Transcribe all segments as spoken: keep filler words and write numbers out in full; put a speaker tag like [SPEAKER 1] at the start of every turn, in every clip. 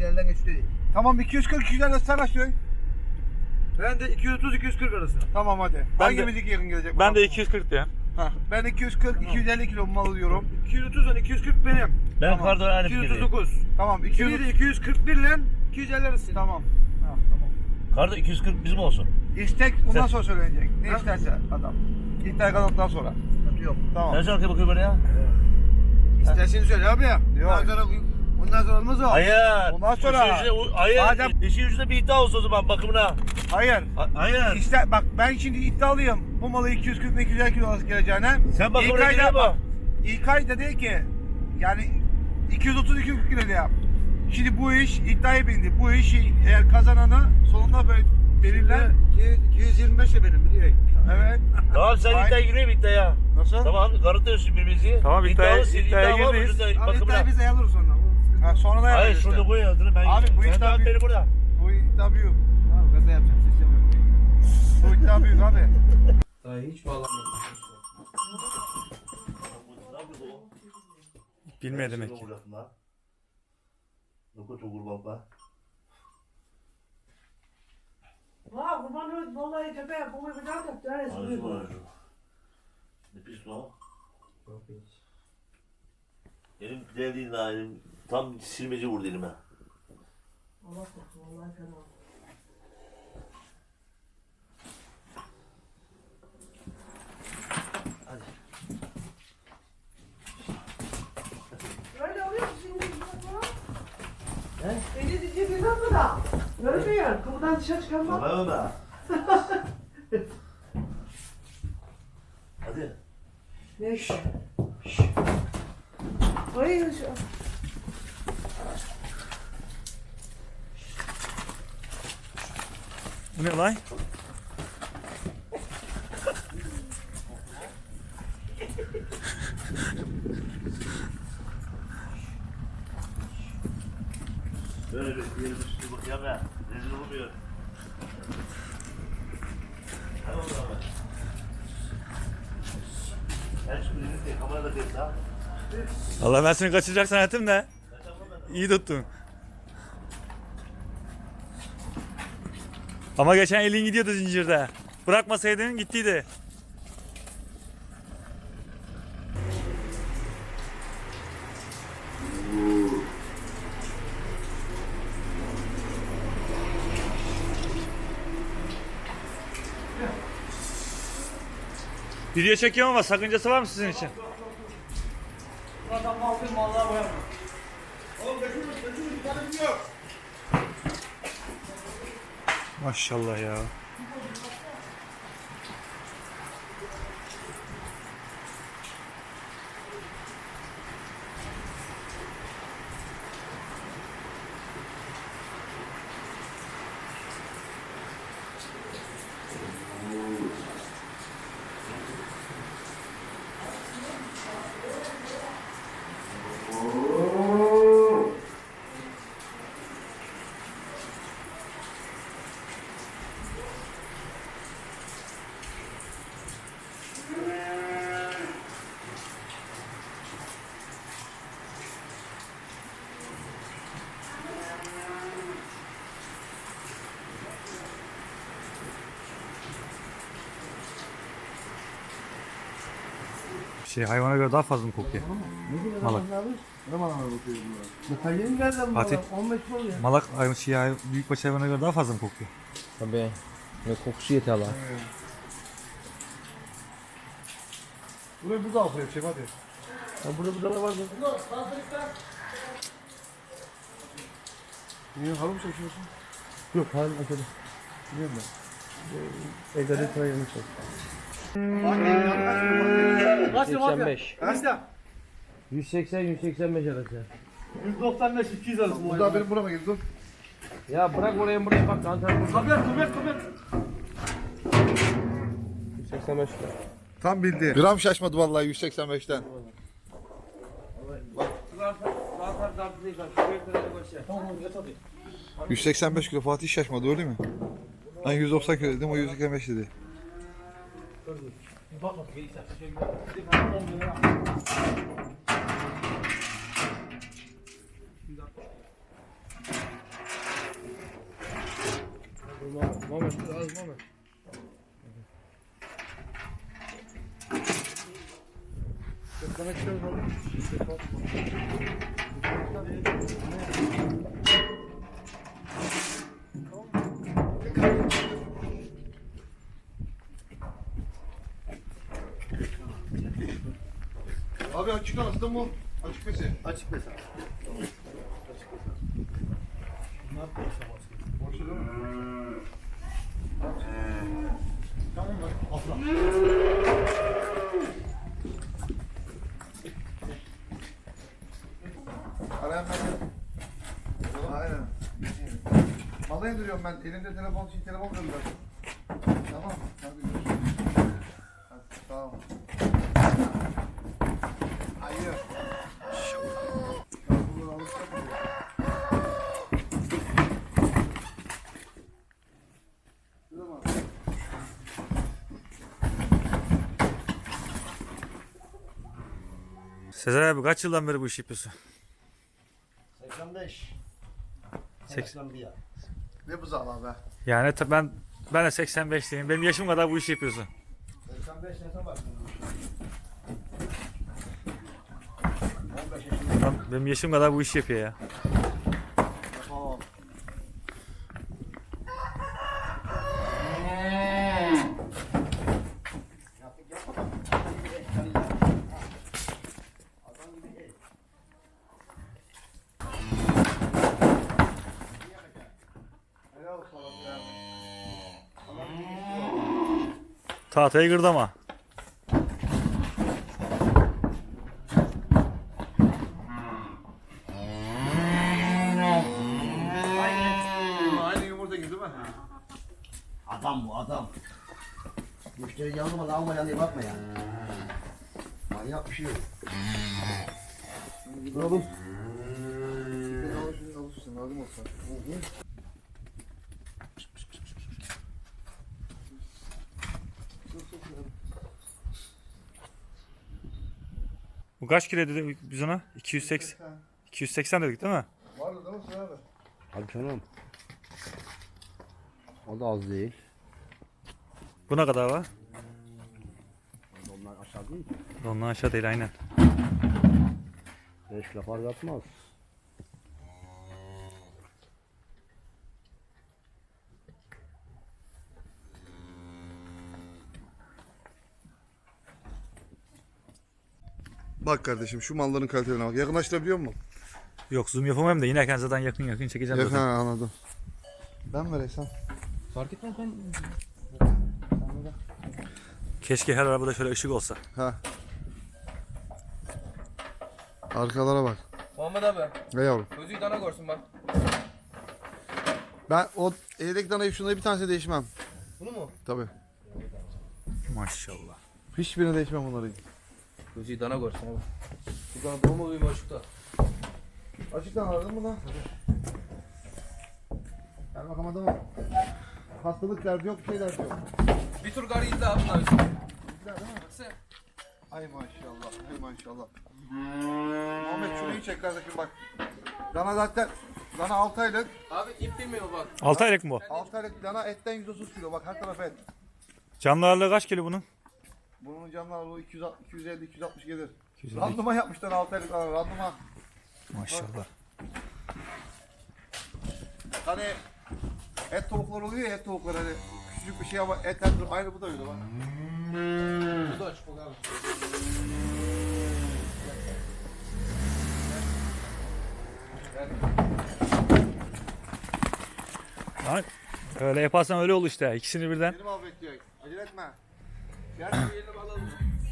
[SPEAKER 1] elliden geçti değil.
[SPEAKER 2] Tamam iki yüz kırk iki yüz elli sen kaç diyorsun?
[SPEAKER 1] Ben de iki yüz otuz iki yüz kırk arası.
[SPEAKER 2] Tamam hadi.
[SPEAKER 3] Ben
[SPEAKER 2] Hangimiz
[SPEAKER 3] de-
[SPEAKER 2] yakın gelecek?
[SPEAKER 3] Ben de iki yüz kırk diyorum.
[SPEAKER 2] Hah, ben iki yüz kırk iki yüz elli kilo mal alıyorum.
[SPEAKER 1] iki yüz otuz iki yüz kırk benim.
[SPEAKER 4] Ben
[SPEAKER 2] Tamam.
[SPEAKER 4] pardon aynı
[SPEAKER 1] iki yüz
[SPEAKER 4] fikirdeyim.
[SPEAKER 1] otuz dokuz.
[SPEAKER 2] Tamam iki yüz
[SPEAKER 1] Şimdi de iki yüz kırk bir ile iki yüz elli arası.
[SPEAKER 2] Tamam. Ha, tamam.
[SPEAKER 4] Kardo iki yüz kırk bizim olsun.
[SPEAKER 2] İstek ondan
[SPEAKER 4] Sen-
[SPEAKER 2] sonra söylenecek. Ne
[SPEAKER 1] Ha?
[SPEAKER 2] isterse adam. İddia kazandıktan sonra.
[SPEAKER 1] Sıkıntı yok.
[SPEAKER 2] Tamam.
[SPEAKER 4] Sen sen arkaya bakıyor böyle ya.
[SPEAKER 1] İstersen söyle abi ya.
[SPEAKER 2] Yok.
[SPEAKER 1] Ondan sonra, ondan sonra olmaz o.
[SPEAKER 4] Hayır.
[SPEAKER 2] Ondan sonra-
[SPEAKER 4] İşin ucuna- hayır.
[SPEAKER 2] Madem-
[SPEAKER 4] İşin ucunda bir iddia olsun o zaman bakımına.
[SPEAKER 2] Hayır.
[SPEAKER 4] Ha- Hayır.
[SPEAKER 2] İşte bak ben şimdi iddialıyım. Bu malı iki yüz kırk iki yüz elli kilo arası geleceğine.
[SPEAKER 4] Sen bakımına
[SPEAKER 2] İlkay
[SPEAKER 4] geliyor
[SPEAKER 2] da-
[SPEAKER 4] mu?
[SPEAKER 2] İlkay da dedi ki yani iki yüz otuz iki yüz kırk kilo yap. Şimdi bu iş iddiaya bindi. Bu işi eğer kazananı sonunda böyle belirler.
[SPEAKER 1] iki yüz yirmi beş de benim biliyor.
[SPEAKER 2] Evet.
[SPEAKER 4] Tamam sen
[SPEAKER 2] Ay-
[SPEAKER 4] iddiaya giriyor mu iddiaya?
[SPEAKER 2] Nasıl?
[SPEAKER 4] Tamam kanıtlıyorsun birbirimizi.
[SPEAKER 3] Tamam, iddiaya-
[SPEAKER 4] İddialısın,
[SPEAKER 3] iddiaya
[SPEAKER 4] iddia var mı?
[SPEAKER 3] girmeyiz.
[SPEAKER 4] Şurada
[SPEAKER 1] Abi
[SPEAKER 4] bakımına.
[SPEAKER 1] iddiayı biz ayarlarız sonra.
[SPEAKER 2] Ha, sonra da
[SPEAKER 4] Hayır
[SPEAKER 2] yapacağız
[SPEAKER 4] şurada
[SPEAKER 2] işte.
[SPEAKER 4] koy adını ben.
[SPEAKER 2] Abi, bu
[SPEAKER 4] ben
[SPEAKER 2] iddia
[SPEAKER 4] de
[SPEAKER 2] bir-
[SPEAKER 4] beni burada.
[SPEAKER 2] Bu iddia büyük.
[SPEAKER 1] Tamam gaza yapacağım. Sistem yok.
[SPEAKER 2] Bu iddia büyük abi.
[SPEAKER 1] Daha hiç bağlanmadım.
[SPEAKER 3] Bilmiyor demek ki.
[SPEAKER 5] Vah, kurban olayım, vallahi tepe, bu bir daha da deriz.
[SPEAKER 4] Ne pis lan? Elim değdiğin daha elim tam silmece vurdu elime.
[SPEAKER 5] Allah korusun, vallahi fena. Öyle oluyor mu şimdi? He? Eli diye bir dakika da. Görmüyor, kapıdan dışarı çıkamam.
[SPEAKER 4] Baba baba. Hadi.
[SPEAKER 5] Ne iş? Hayır, şu.
[SPEAKER 3] Bu ne lan?
[SPEAKER 4] Böyle bir yeri bir sürü bakayım ya. Rezil olmuyor. Hadi oğlum abi. Ben şu birini de kamerada değil ha.
[SPEAKER 3] Allah ben seni kaçıracak zannettim de. İyi tuttun. Ama geçen elin gidiyordu zincirde. Bırakmasaydın gittiydi. Video çekiyorum ama sakıncası var mı sizin için?
[SPEAKER 2] Zaten mal bir mallığa boyamıyor. Oğlum götürün, götürün, bir tane yok.
[SPEAKER 3] Maşallah ya. Şey hayvana göre daha fazla mı kokuyor? Malak.
[SPEAKER 1] Ne bana bakıyor bu? Detayını nereden
[SPEAKER 3] Fatih.
[SPEAKER 1] bu? on beş oluyor.
[SPEAKER 3] Malak hayvan şey hay- büyükbaş hayvana göre daha fazla mı kokuyor?
[SPEAKER 6] Tabii. Ne kokusu yeter lan.
[SPEAKER 2] Burayı burada al şey hadi.
[SPEAKER 6] Ya burada burada var mı?
[SPEAKER 2] Niye halı mı çekiyorsun?
[SPEAKER 6] Yok halim açalım.
[SPEAKER 2] Biliyorum ben.
[SPEAKER 6] Egade trayını çek.
[SPEAKER 1] Kaç lira
[SPEAKER 6] seksen beş.
[SPEAKER 1] Kaç lira?
[SPEAKER 6] yüz seksen yüz seksen beş arası.
[SPEAKER 1] yüz doksan beş iki yüz arası.
[SPEAKER 2] Bu da benim burama geldi dur.
[SPEAKER 6] Ya bırak oraya buraya bak anten burada.
[SPEAKER 1] Kapat kapat kapat.
[SPEAKER 6] yüz seksen beş lira.
[SPEAKER 2] Tam bildi. Gram şaşmadı vallahi yüz seksen beşten. yüz seksen beş kilo Fatih şaşmadı öyle mi? Ben yüz doksan kilo dedim o yüz seksen beş dedi.
[SPEAKER 6] Muhammed, Muhammed dur az Muhammed.
[SPEAKER 2] Sana çıkarız oğlum. Abi açık arasında mı? Açık mesi.
[SPEAKER 1] Açık mesela. Bunlar boşa başlıyor.
[SPEAKER 2] Boşta değil mi?
[SPEAKER 1] Tamam mı? Afra.
[SPEAKER 2] Arayan ben. Aynen. Malı indiriyorum ben. Elimde telefon için telefon gönderiyorum. Tamam. Hadi görüşürüz. Hadi, tamam. Hayır. Ben buradan alışacak mıyım? Şurada mı?
[SPEAKER 3] Sezer abi kaç yıldan beri bu işi yapıyorsun?
[SPEAKER 7] seksen beş.
[SPEAKER 3] seksen
[SPEAKER 7] bir.
[SPEAKER 2] Ne buzağı be?
[SPEAKER 3] Yani ta- ben ben de seksen beşliyim. Benim yaşım kadar bu işi yapıyorsun.
[SPEAKER 7] seksen beş ne zaman
[SPEAKER 3] Lan benim yaşım kadar bu işi yapıyor ya.
[SPEAKER 2] Tamam. Helal olsun abi ya.
[SPEAKER 3] Tahtayı gırdama.
[SPEAKER 2] Aynı yumurta gibi değil mi?
[SPEAKER 7] Adam bu adam. Müşteri yanılmadan almayan diye bakma yani. Manyak bir şey yok.
[SPEAKER 2] Oğlum. Ben alışın alışsın lazım olsa.
[SPEAKER 3] Bu kaç kilo dedik biz ona? iki yüz seksen. iki yüz seksen dedik değil mi?
[SPEAKER 2] Vardı değil mi Sıra abi?
[SPEAKER 7] Hadi canım. O da az değil.
[SPEAKER 3] Bu ne kadar var?
[SPEAKER 7] Onlar aşağı değil.
[SPEAKER 3] Ondan aşağı değil aynen.
[SPEAKER 7] beş lafar yapmaz.
[SPEAKER 2] Bak kardeşim şu malların kalitelerine bak. Yakınlaştırabiliyor musun?
[SPEAKER 3] Yok zoom yapamam da inerken zaten yakın yakın çekeceğim
[SPEAKER 2] Yakın
[SPEAKER 3] zaten.
[SPEAKER 2] anladım. Ben mi Reysan?
[SPEAKER 6] Fark etmez ben.
[SPEAKER 3] Keşke her arabada şöyle ışık olsa.
[SPEAKER 2] Ha. Arkalara bak.
[SPEAKER 6] Muhammed abi
[SPEAKER 2] Ne yavrum?
[SPEAKER 6] gözü dana görsün bak.
[SPEAKER 2] Ben o eldeki danayı şunları bir tanesini değişmem.
[SPEAKER 6] Bunu mu?
[SPEAKER 2] Tabii.
[SPEAKER 3] Maşallah.
[SPEAKER 2] Hiçbirini değişmem bunları.
[SPEAKER 6] Gözü dana görsün abi. Bu dana dolma duyma açıkta.
[SPEAKER 2] Açıktan aradın mı lan? Gel bakalım adamım. Hastalık derdi yok, bir şey derdi yok.
[SPEAKER 6] Bir tur garı gitti abi bunlar üstüne.
[SPEAKER 2] Güzel değil mi?
[SPEAKER 6] Baksana.
[SPEAKER 2] Ay maşallah, ay maşallah. Muhammed şurayı çek kardeşim bak. Dana zaten, dana altı aylık.
[SPEAKER 6] Abi ip bilmiyor bak.
[SPEAKER 3] altı aylık mı bu?
[SPEAKER 2] altı aylık dana etten yüz otuz kilo. Bak her taraf et.
[SPEAKER 3] Canlı ağırlığı kaç kilo bunun?
[SPEAKER 2] Bunun canlı ağırlığı iki yüz, iki yüz elli iki yüz altmış gelir.
[SPEAKER 3] iki yüz elli.
[SPEAKER 2] Randıman yapmışlar altı aylık dana, randıman.
[SPEAKER 3] Maşallah.
[SPEAKER 2] Hani et tavuklar oluyor ya, et tavukları hani küçücük bir şey ama etler aynı bu da öyle bak.
[SPEAKER 6] Bu da açık bak abi.
[SPEAKER 3] Lan öyle yaparsan öyle olur işte. İkisini birden.
[SPEAKER 2] Benim al bekliyor. Acele etme. Gel.
[SPEAKER 6] Yerini alalım.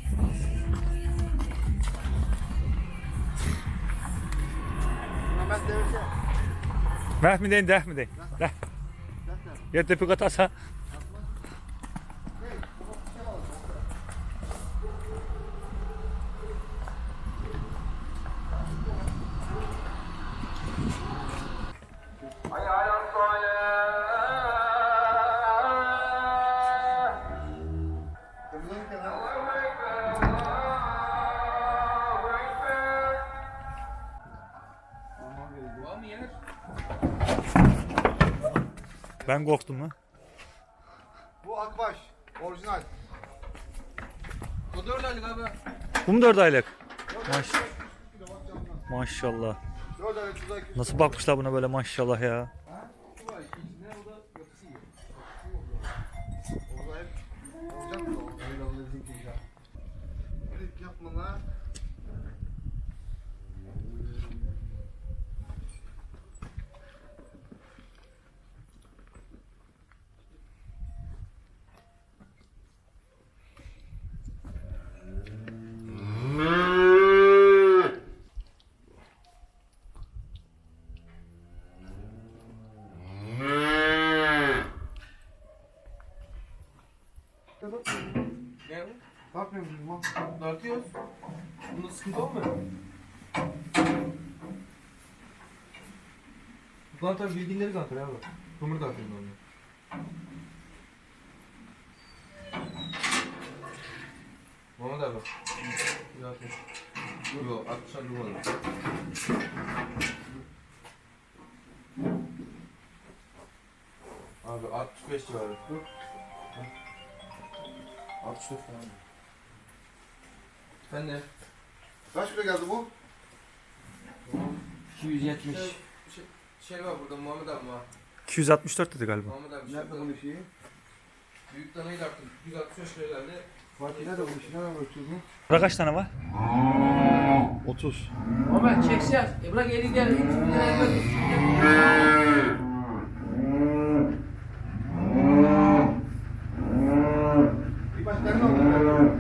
[SPEAKER 2] Hemen devirse.
[SPEAKER 3] Meh mi deyin, deh mi deyin? Deh. Ya tepik atarsa. Ben korktum mu?
[SPEAKER 2] Akbaş. Orijinal.
[SPEAKER 6] O dört aylık abi.
[SPEAKER 3] Bu mu dört aylık? Maş maşallah.
[SPEAKER 2] dört aylık suda iki yüz.
[SPEAKER 3] Nasıl bakmışlar buna böyle maşallah ya.
[SPEAKER 6] Bu var içinde o da yapısı iyi.
[SPEAKER 2] Orada hep olacak mı? Öyle oldu bizimki ya. Öyle yapma lan.
[SPEAKER 6] Ne bu?
[SPEAKER 2] Bakmıyor musun lan?
[SPEAKER 6] Dartıyoruz. Bunda sıkıntı olmuyor. Bu kantar bilginleri kantar abi. Kumur dartıyoruz onu. Muhammed abi. Zaten. Yok, altmışan durmadı. Abi altmış beş civarı. altmış dört falan. Sen ne?
[SPEAKER 2] Kaç kilo geldi bu?
[SPEAKER 6] iki yüz yetmiş. Şey, şey, şey var burada Muhammed abi var.
[SPEAKER 3] iki yüz altmış dört dedi galiba.
[SPEAKER 6] Muhammed abi.
[SPEAKER 2] Nerede bunun şeyi?
[SPEAKER 6] Büyük danayı da arttım. yüz altmış beş kilo geldi.
[SPEAKER 2] Fatih nerede bunun işi? Nereden bakıyorsun?
[SPEAKER 3] Burada kaç tane var?
[SPEAKER 2] otuz.
[SPEAKER 8] Ama çekeceğiz. E bırak eli gel.
[SPEAKER 2] Bir başka ne oldu?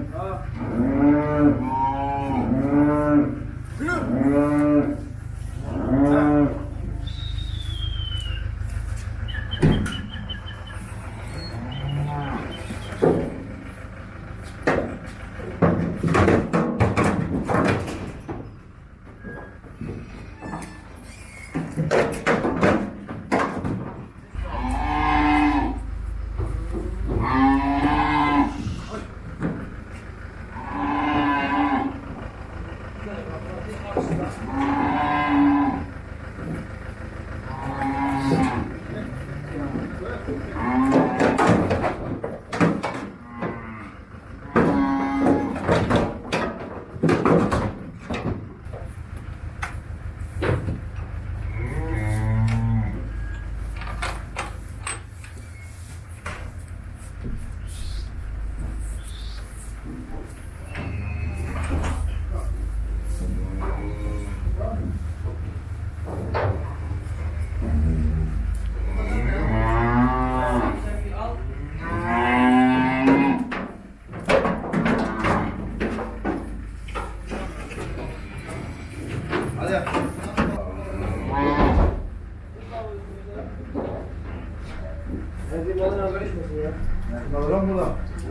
[SPEAKER 2] Lan bu da.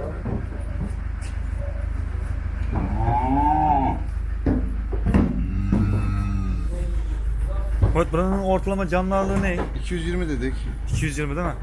[SPEAKER 3] Evet, buranın ortalama canlı ağırlığı ne?
[SPEAKER 2] iki yüz yirmi dedik.
[SPEAKER 3] iki yüz yirmi değil mi?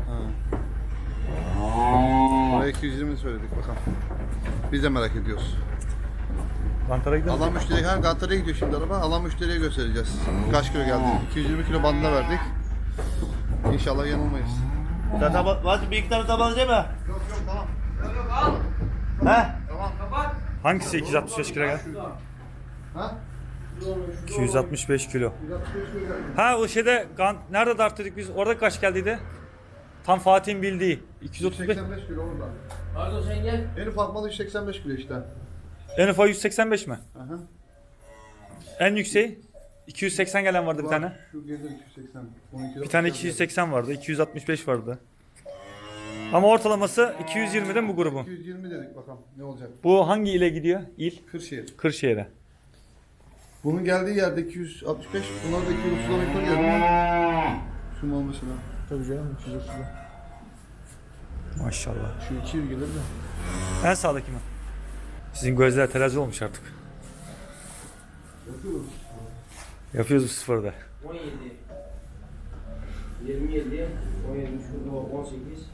[SPEAKER 2] Oraya iki yüz yirmi söyledik bakalım. Biz de merak ediyoruz.
[SPEAKER 3] Kantara gidelim.
[SPEAKER 2] Alan müşteri, ha Gantar'a gidiyor şimdi araba. Alan müşteriye göstereceğiz. Kaç kilo geldi? iki yüz yirmi kilo bandına verdik. İnşallah yanılmayız.
[SPEAKER 4] Sen tabak, Fatih bir iki tane tabak alacak mı?
[SPEAKER 2] Yok yok tamam.
[SPEAKER 4] He?
[SPEAKER 3] Hangisi iki yüz altmış beş kilo gel?
[SPEAKER 2] Ha?
[SPEAKER 3] iki yüz altmış beş kilo.
[SPEAKER 2] bir altmış beş kilo geldi.
[SPEAKER 3] Ha o şeyde kan nerede darttık biz? Orada kaç geldiydi? Tam Fatih'in bildiği. iki yüz otuz beş.
[SPEAKER 2] seksen beş kilo orada.
[SPEAKER 8] Pardon sen gel.
[SPEAKER 2] En ufak malı yüz seksen beş kilo işte.
[SPEAKER 3] En ufak yüz seksen beş mi?
[SPEAKER 2] Aha.
[SPEAKER 3] En yükseği iki yüz seksen gelen vardı bir tane.
[SPEAKER 2] Şu gelir iki yüz seksen. on iki
[SPEAKER 3] Bir tane iki yüz seksen vardı. iki yüz altmış beş vardı. Ama ortalaması iki yüz yirmiden bu grubun.
[SPEAKER 2] iki yüz yirmi dedik bakalım ne olacak.
[SPEAKER 3] Bu hangi ile gidiyor? İl?
[SPEAKER 2] Kırşehir.
[SPEAKER 3] Kırşehir'e.
[SPEAKER 2] Bunun geldiği yerde iki yüz altmış beş, bunlar da iki yüz otuzdan yukarı geldi. Şu mal mesela. Tabii canım iki yüz otuzda.
[SPEAKER 3] Maşallah.
[SPEAKER 2] Şu iki yüz gelir de.
[SPEAKER 3] En sağdaki mi? Sizin gözler terazi olmuş artık. Yapıyoruz bu sıfırda.
[SPEAKER 8] on yedi. yirmi yedi. on yedi. Şurada on sekiz.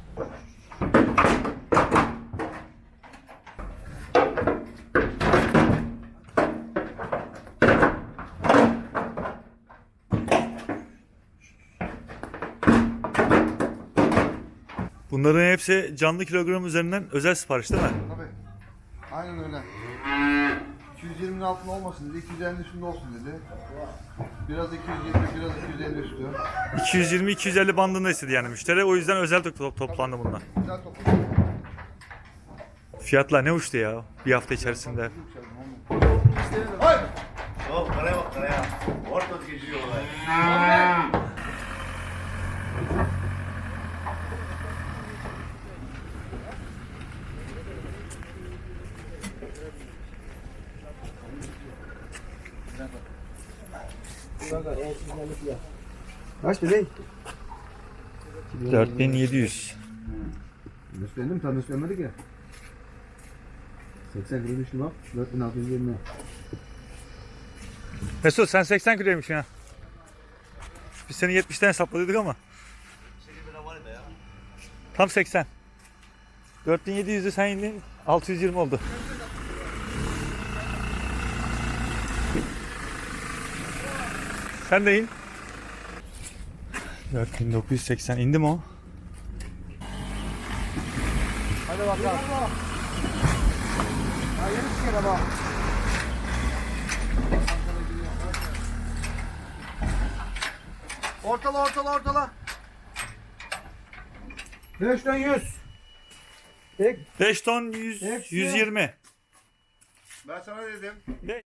[SPEAKER 3] Bunların hepsi canlı kilogram üzerinden özel sipariş değil mi?
[SPEAKER 2] Tabii. Aynen öyle. iki yüz yirminin altında olmasın dedi. iki yüz elli üstünde olsun dedi. Biraz iki yüz yirmi, biraz iki yüz elli üstü.
[SPEAKER 3] iki yüz yirmi iki yüz elli bandında istedi yani müşteri. O yüzden özel to- toplandı bunlar.
[SPEAKER 2] Güzel toplu.
[SPEAKER 3] Fiyatlar ne uçtu ya bir hafta içerisinde.
[SPEAKER 2] Hayır.
[SPEAKER 4] Yok karaya bak karaya. Orta geçiyor olay.
[SPEAKER 8] Kanka en sizlerlik ya.
[SPEAKER 7] Kaç bebeğim?
[SPEAKER 3] dört bin yedi yüz.
[SPEAKER 7] Gösterdim tam göstermedik ya. seksen kilo düştü bak. dört bin altı yüz yirmi.
[SPEAKER 3] Mesut sen seksen kiloymuşsun ha. Biz seni yetmişten hesapladıydık ama. Tam seksen. dört bin yedi yüz'ü sen indin altı yüz yirmi oldu. Sen de in. dört bin dokuz yüz seksen indi mi o?
[SPEAKER 2] Hadi bakalım. Ha yeni çıkıyor ama. Ortala ortala ortala.
[SPEAKER 7] beşten yüz.
[SPEAKER 3] beş ton yüz, yüz yirmi.
[SPEAKER 2] Ben sana dedim.
[SPEAKER 3] Ne?